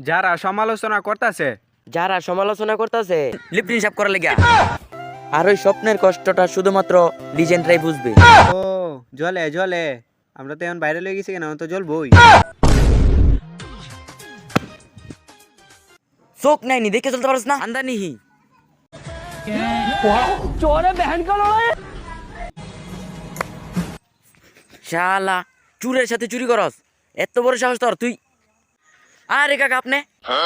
যারা সমালোচনা করতেছে লিপটিন সাপ করার লেগা আর ওই স্বপ্নের কষ্টটা শুধুমাত্র লিজেন্ডরাই বুঝবে। ও জলে জলে আমরা তো এখন বাইরে লয়ে গেছি কেন তো জ্বলবই। চোখ নাইনি দেখে চলতে পারছ না আন্দা নিহি শালা চুরের সাথে চুরি করস এত বড় সাহস তোর তুই। আরে কাকা আপনি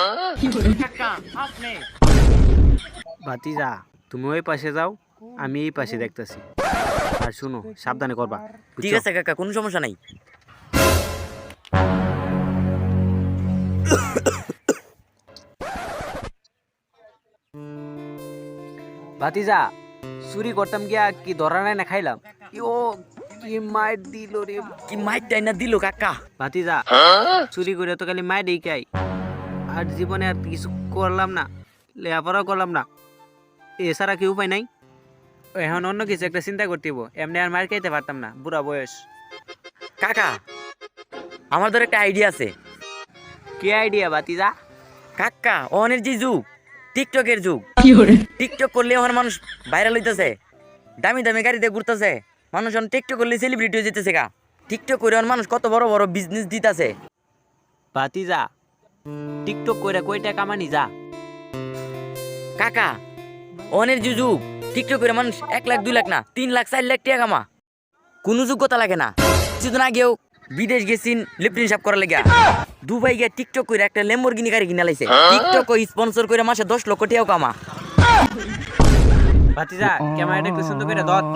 ভাতিজা তুমি ওই পাশে যাও, আমি এই পাশে দেখতেছি। আর শুনো, সাবধানে করবা। ঠিক আছে কাকা, কোনো সমস্যা নাই। ভাতিজা চুরি করতাম গিয়া কি ধরা নাই না খাইলাম। ও কি মাইর দিল রে। কি মাইটাই না দিল কাকা। ভাতিজা চুরি করে তো খালি মাইর খাই, আর জীবনে আর কিছু করলাম না, লেখাপড়াও করলাম না, এছাড়া কি উপায় নাই? এখন অন্য কিছু একটা চিন্তা করতে হইব, এমনি আর মার খাইতে পারতাম না, বুড়া বয়স। কাকা আমার ধর একটা আইডিয়া আছে। কি আইডিয়া ভাতিজা? কাকা অনের যে যুগ, টিকটকের যুগ। টিকটক করলে এখন মানুষ ভাইরাল হইতেছে, দামি দামি গাড়িতে ঘুরতেছে, মানুষ এখন টিকটক করলে সেলিব্রিটি হয়ে যেতেছে। কা টিকটক করে এখন মানুষ কত বড় বড় বিজনেস দিতেছে। ভাতিজা টিকটক কইরা কই টাকা কামানি যা? কাকা অনের যে যুগ, টিকটক করে মানুষ 1 লাখ 2 লাখ না 3 লাখ 4 লাখ টাকা কামা, কোনো যোগ্যতা লাগে না। কিছুদিন আগেও বিদেশ গেছিন লিপটিন সাপ করার লেগা, দুবাই গিয়ে টিকটক করে একটা ল্যাম্বরগিনি গাড়ি কিনা লাইছে। টিকটক স্পন্সর করে মাসে 10 লক্ষ টাকাও কামা। ভাতিজা ক্যামেরাটা একটু সুন্দর করে ধর।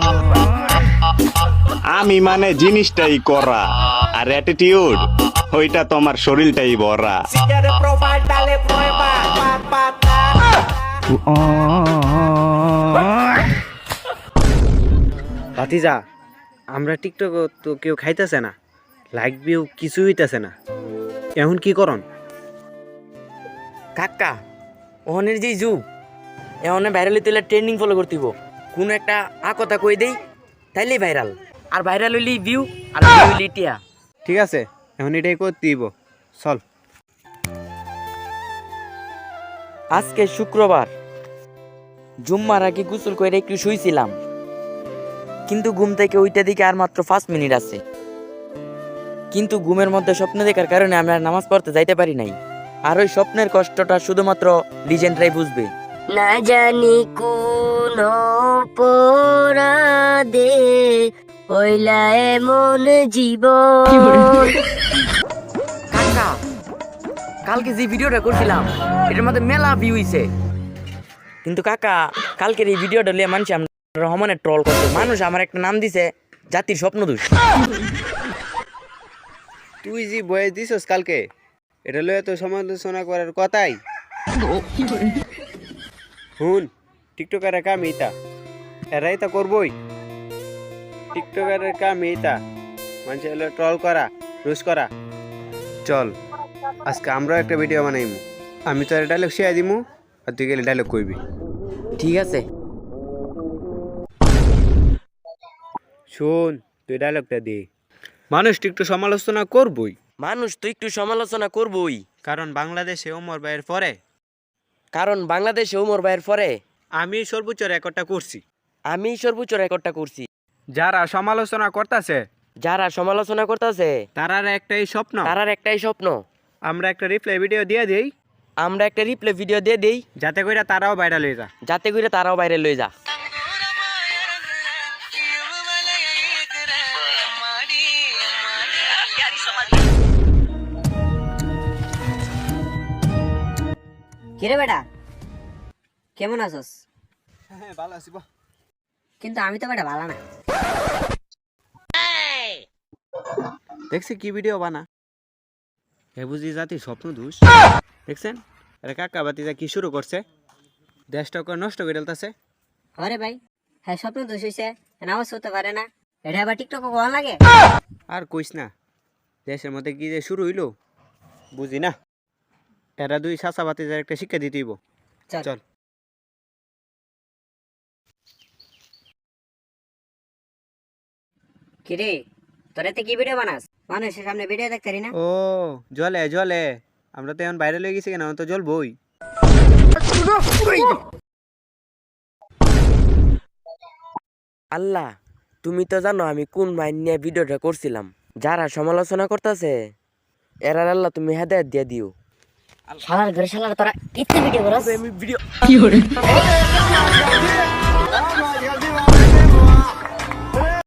আমি মানে জিনিসটাই করা, আর অ্যাটিটিউড ওইটা তোমার শরীরটাই ভরা। ভাতিজা আমরা টিকটক তো কেউ খাইতেছে না, লাইক ভিউ কিছু হইতেছে না, এখন কি করন? কাকা অনের যে যুগ, এখন ভাইরাল হইতে হলে ট্রেন্ডিং ফলো করতে হইব। কোনো একটা কথা কই দেই তাইলেই ভাইরাল, আর ভাইরাল হইলেই ভিউ, আর ভিউ হইলেই টিয়া। ঠিক আছে, এখন এটাই করতে দিব, চল। আজকে শুক্রবার, জুম্মার আগে গোসল করে একটু শুইছিলাম, কিন্তু ঘুম থেকে ওইটা দিকে আর মাত্র 5 মিনিট আছে। কিন্তু ঘুমের মধ্যে স্বপ্ন দেখার কারণে আমি আর নামাজ পড়তে যাইতে পারি নাই। আর ওই স্বপ্নের কষ্টটা শুধুমাত্র লিজেন্ডরাই বুঝবে। না জানি কোন অপরাধে হইলা এমন জীবন। কাকা কালকে যে ভিডিওটা করছিলাম এটার মধ্যে মেলা ভিউ হইছে, কিন্তু কাকা কালকের এই ভিডিওটা লিয়ে মানুষ আমরা রহমানের ট্রল করছে। মানুষ আমার একটা নাম দিছে জাতির স্বপ্নদূষ। তুই যে বয়স দিছস কালকে, এটা লয়ে তো সমালোচনা করার কথাই। হুন, টিকটকারের কাম এইটা, এরাই তা করবই। টিকটকারের কাম এইটা, মানুষ এলো ট্রল করা, রোজ করা। চল আজকে আমরাও একটা ভিডিও বানাইমু, আমি তো ডায়লগ শেয়ার দিমু, আর তুই গেলে ডায়লগ কইবি। ঠিক আছে, শোন তুই ডায়লগটা দে। মানুষ টিকটক সমালোচনা করবই, মানুষ তো একটু সমালোচনা করবই, কারণ বাংলাদেশে ওমর ভাইয়ের পরে কারণ বাংলাদেশে ওমর ভাইয়ের পরে আমি সর্বোচ্চ রেকর্ডটা করছি। আমি সর্বোচ্চ রেকর্ডটা করছি। যারা সমালোচনা করতেছে যারা সমালোচনা করতেছে তারার একটাই স্বপ্ন, তারার একটাই স্বপ্ন, আমরা একটা রিপ্লাই ভিডিও দিয়ে দেই, আমরা একটা রিপ্লে ভিডিও দিয়ে দেই, যাতে করে তারাও ভাইরাল হয়ে যায়। যাতে করে তারাও বাইরে লয়ে যা। কিরে বেটা, কেমন আছস? হ্যাঁ ভালো আছি বাহ। কিন্তু আমি তো বেটা ভালো না। দেখছি কি ভিডিও বানা, হে বুঝি জাতির স্বপ্ন দোষ। দেখছেন আরে কাকা বাতিজা কি শুরু করছে, দেশটাকে নষ্ট করে ফেলতেছে। আরে ভাই, হ্যাঁ স্বপ্ন দোষ হইছে, নামাজ পড়তে পারে না, এটা আবার টিকটক কোয়া লাগে। আর কইস না, দেশের মধ্যে কি যে শুরু হইলো বুঝি না। এরা দুই চাচা বাতিজার একটা শিক্ষা দিতে হইব। চল। চল কিরে তোরা কি ভিডিও বানাস? মানুষের সামনে ভিডিও দেখতে পারি না। ও জলে জলে আমরা তো এখন বাইরে লয়ে গেছি কেন, এখন তো জ্বলবই। আল্লাহ, তুমি তো জানো আমি কোন মাইন নিয়ে ভিডিওটা করছিলাম। যারা সমালোচনা করতেছে এরার আল্লাহ তুমি হেদায়েত দিয়ে দিও। শালার ঘরে শালার তোরা কিত্তে ভিডিও করস? আমি ভিডিও